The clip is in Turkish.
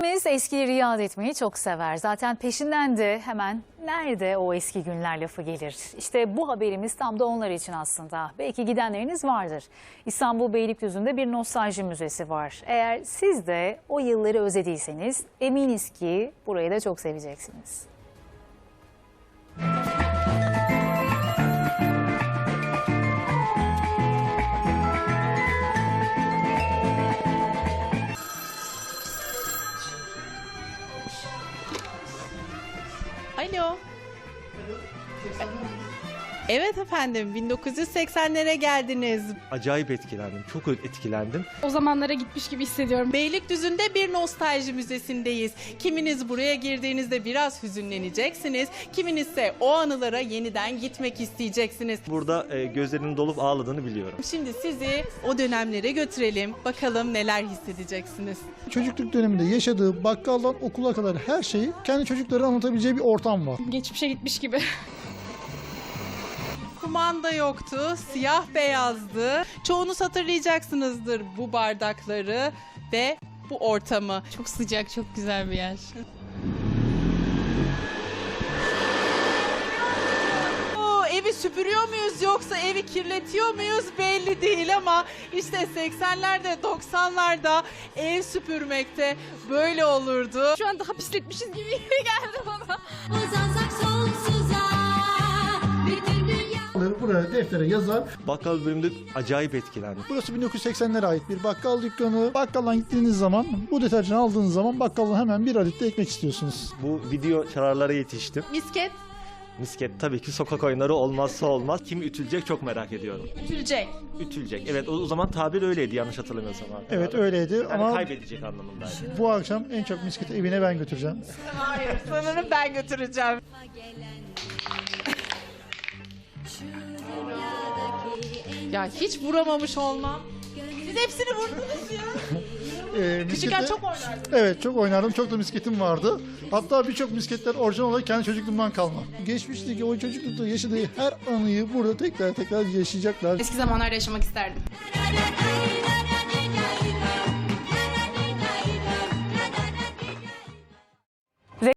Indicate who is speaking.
Speaker 1: Hepimiz eskileri yad etmeyi çok sever. Zaten peşinden de hemen nerede o eski günler lafı gelir. İşte bu haberimiz tam da onlar için aslında. Belki gidenleriniz vardır. İstanbul Beylikdüzü'nde bir nostalji müzesi var. Eğer siz de o yılları özlediyseniz eminiz ki burayı da çok seveceksiniz.
Speaker 2: Alo. Evet efendim, 1980'lere geldiniz.
Speaker 3: Acayip etkilendim, çok etkilendim.
Speaker 4: O zamanlara gitmiş gibi hissediyorum.
Speaker 2: Beylikdüzü'nde bir nostalji müzesindeyiz. Kiminiz buraya girdiğinizde biraz hüzünleneceksiniz, kiminiz ise o anılara yeniden gitmek isteyeceksiniz.
Speaker 3: Burada gözlerinin dolup ağladığını biliyorum.
Speaker 2: Şimdi sizi o dönemlere götürelim, bakalım neler hissedeceksiniz.
Speaker 5: Çocukluk döneminde yaşadığı bakkaldan okula kadar her şeyi kendi çocuklarına anlatabileceği bir ortam var.
Speaker 4: Geçmişe gitmiş gibi.
Speaker 2: Kumanda yoktu, siyah beyazdı. Çoğunuz hatırlayacaksınızdır bu bardakları ve bu ortamı.
Speaker 6: Çok sıcak, çok güzel bir yer.
Speaker 2: Evi süpürüyor muyuz yoksa evi kirletiyor muyuz belli değil ama işte 80'lerde 90'larda ev süpürmekte böyle olurdu.
Speaker 4: Şu an daha pisletmişiz gibi geldi bana.
Speaker 7: Uzansak sonsuza bütün dünya.
Speaker 5: Buraya deftere yazar.
Speaker 3: Bakkal bölümünde acayip etkilendim.
Speaker 5: Burası 1980'lere ait bir bakkal dükkanı. Bakkaldan gittiğiniz zaman bu deterjanı aldığınız zaman bakkaldan hemen bir adet de ekmek istiyorsunuz.
Speaker 3: Bu video çararlara yetiştim.
Speaker 2: Misket
Speaker 3: Misket tabii ki sokak oyunları olmazsa olmaz. Kim ütülecek çok merak ediyorum.
Speaker 2: ütülecek.
Speaker 3: Ütülecek. Evet o zaman tabir öyleydi yanlış hatırlamıyorsam.
Speaker 5: Evet öyleydi
Speaker 3: Yani
Speaker 5: ama
Speaker 3: kaybedecek anlamındaydı.
Speaker 5: bu akşam en çok misketi evine ben götüreceğim.
Speaker 2: Hayır sanırım ben götüreceğim. Ya hiç vuramamış olmam. Siz hepsini vurdunuz ya. Küçükken
Speaker 5: Miskette-
Speaker 2: çok oynardım.
Speaker 5: Evet çok oynardım. Çok da misketim vardı. Hatta birçok misketler orijinal olarak kendi çocukluğumdan kalma. Geçmişteki o çocuklukta yaşadığı her anıyı burada tekrar yaşayacaklar.
Speaker 4: Eski zamanlarda yaşamak isterdim.
Speaker 7: Ay, ay, ay.